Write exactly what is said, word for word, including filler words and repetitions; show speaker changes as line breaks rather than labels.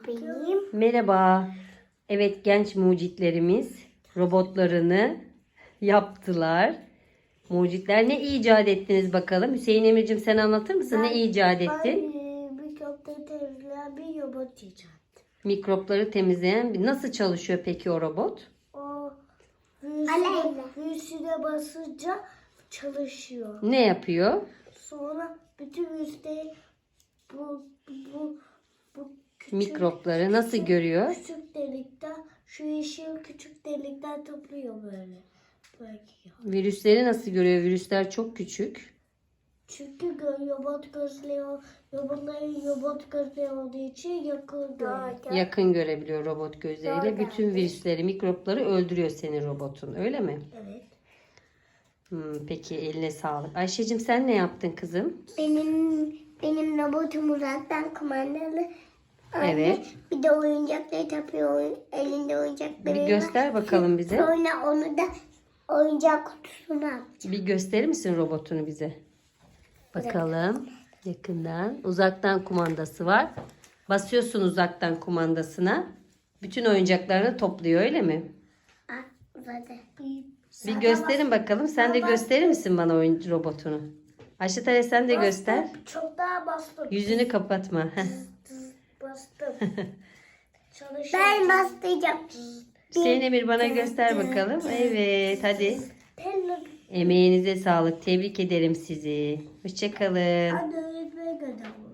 benim.
Merhaba. Evet, genç mucitlerimiz robotlarını yaptılar. Mucitler ne icat ettiniz bakalım? Hüseyin Emir'cim sen anlatır mısın? Ne icat ettin?
Ben mikropları temizleyen bir robot icat.
Mikropları temizleyen bir- nasıl çalışıyor peki o robot?
O virüsüne, virüsüne basınca çalışıyor.
Ne yapıyor?
Sonra bütün virüsleri bu bu bu küçük,
Mikropları nasıl görüyor?
küçük delikten şu yeşil küçük delikten topluyor böyle. Böyle.
Virüsleri nasıl görüyor? Virüsler çok küçük.
Çünkü gö- robot gözleri, robotların robot gözleri olduğu için yakın görüyor.
Yakın görebiliyor robot gözleriyle.
Doğru.
Bütün virüsleri, mikropları öldürüyor senin robotun. Öyle mi?
Evet.
Hmm, peki eline sağlık. Ayşe'cim sen ne yaptın kızım?
Benim benim robotum uzaktan kumandalı. Anne,
Evet.
bir de oyuncakları tapıyor. Elinde oyuncakları
Bir
var.
göster bakalım bize.
Sonra onu da oyuncak kutusuna at.
Bir gösterir misin robotunu bize? Bakalım yakından. Uzaktan kumandası var. Basıyorsun uzaktan kumandasına. Bütün oyuncaklarını topluyor öyle mi?
Ah, uzadı.
Bir gösterin bakalım. Sen de gösterir misin bana oyun robotunu? Ayşe Tare sen de göster.
Çok daha bastım.
Yüzünü kapatma. Heh.
Bastım. Ben bastıracağım.
Hüseyin Emir bana göster bakalım. Evet hadi. Emeğinize sağlık. Tebrik ederim sizi. Hoşça kalın.
Hadi öğretmeye gönder.